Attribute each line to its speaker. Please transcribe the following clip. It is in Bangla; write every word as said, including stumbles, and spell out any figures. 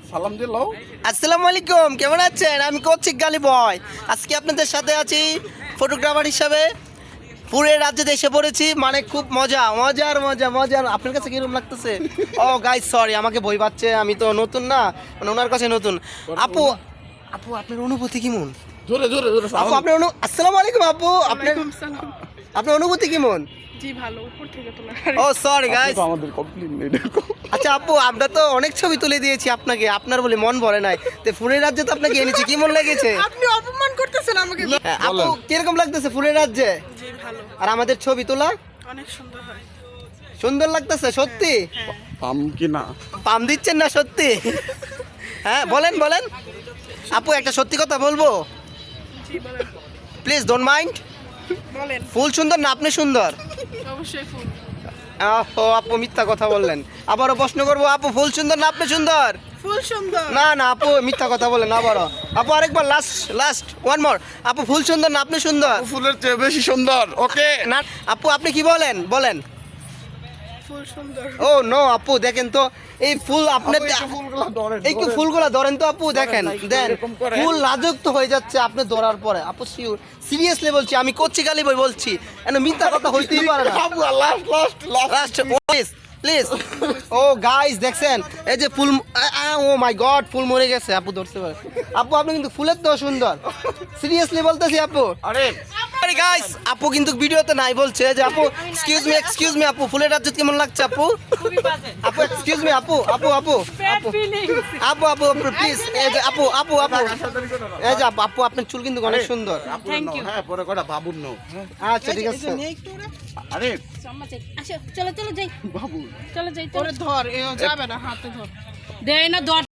Speaker 1: সালাম দিলাও।
Speaker 2: আসসালামু আলাইকুম, কেমন আছেন? আমি কৌশিক গালি বয়। আজকে আপনাদের সাথে আছি ফটোগ্রাফার হিসাবে। পুরো রাজ্যে এসে পড়েছি, মানে খুব মজা মজার মজা মজার। আপনার কাছে কিরকম লাগতেছে? ও গাইস সরি, আমাকে ভয় পাচ্ছে, আমি তো নতুন না, মানে ওনার কাছে নতুন। আপু আপু আপনার অনুভূতি কেমন?
Speaker 1: জোরে জোরে জোরে
Speaker 2: আপু আপনার অনু আসসালামু আলাইকুম আপু, আপনার আপনার অনুভূতি কেমন?
Speaker 3: জি ভালো, উপর থেকে তোলা।
Speaker 2: ও সরি গাইস।
Speaker 1: আমাদের কমপ্লিট নেই দেখো।
Speaker 2: আচ্ছা আপু, আমরা তো অনেক ছবি তুলে দিয়েছি আপনাকে, আপনার বলে মন ভরে নাই, তো ফুলের রাজ্যে তো আপনাকে এনেছি, কি মন লেগেছে?
Speaker 3: আপনি অপমান করতেছেন আমাকে।
Speaker 2: হ্যাঁ, আপু কিরকম লাগতেছে ফুলের রাজ্যে?
Speaker 3: জি ভালো,
Speaker 2: আর আমাদের ছবি তোলা
Speaker 3: অনেক সুন্দর হয়।
Speaker 2: সুন্দর লাগতেছে সত্যি?
Speaker 3: হ্যাঁ,
Speaker 1: পাম কি না?
Speaker 2: পাম দিচ্ছেন না সত্যি? হ্যাঁ বলেন বলেন আপু, একটা সত্যি কথা বলবো,
Speaker 3: জি বলেন।
Speaker 2: Please don't mind.
Speaker 3: বলেন,
Speaker 2: ফুল সুন্দর না আপনি সুন্দর?
Speaker 3: অবশ্যই ফুল।
Speaker 2: ও আপু মিথ্যা কথা বললেন। আবারও প্রশ্ন করবো, আপু ফুল সুন্দর না আপনি সুন্দর?
Speaker 3: ফুল সুন্দর।
Speaker 2: না না আপু মিথ্যা কথা বলেন আবারও। আপু আরেকবার, লাস্ট লাস্ট ওয়ান মোর। আপু ফুল সুন্দর না আপনি সুন্দর?
Speaker 1: ফুলের চেয়ে বেশি সুন্দর। ওকে
Speaker 2: না আপু আপনি কি বলেন বলেন?
Speaker 3: ফুল সুন্দর।
Speaker 2: ও নো আপু, দেখেন তো এই ফুল আপনার,
Speaker 1: ফুলগুলো ধরেন।
Speaker 2: এই কি ফুলগুলা ধরেন তো আপু, দেখেন
Speaker 1: না, একটু
Speaker 2: দেন
Speaker 1: এরকম করেন।
Speaker 2: ফুল রাজত্ব হয়ে যাচ্ছে আপনি ধরার পরে। আপু শিওর সিরিয়াসলি বলছি, আমি কচ্ছি গালি বই বলছি, এন মিথ্যা কথা হইতেই পারে না।
Speaker 1: Last last last
Speaker 2: last please please. ও গাইস দেখছেন এই যে ফুল, ও মাই গড ফুল মরে গেছে, আপু ধরতে পারে। আপু আপনি কিন্তু ফুলের তো সুন্দর, সিরিয়াসলি বলতেছি আপু।
Speaker 1: আরে
Speaker 2: আরে গাইস আপু কিন্তু ভিডিওতে নাই বলছে যে আপু এক্সকিউজ মি এক্সকিউজ মি আপু ফুলের রাজ্য কেমন লাগছে আপু? আপু এক্সকিউজ মি আপু আপু আপু আপু আপু আপু আপু প্লিজ, এই যে আপু আপু আপু এই যে আপু, আপু আপনার চুল কিন্তু অনেক সুন্দর।
Speaker 1: Thank you. হ্যাঁ পরে কটা বাবুর নো।
Speaker 2: আচ্ছা ঠিক আছে।
Speaker 1: আরে
Speaker 4: চলো চলো যাই,
Speaker 1: বাবু
Speaker 4: চলো যাই।
Speaker 3: ওরে ধর, এ যাবে না, হাতে ধর।
Speaker 4: দেয় না ধর।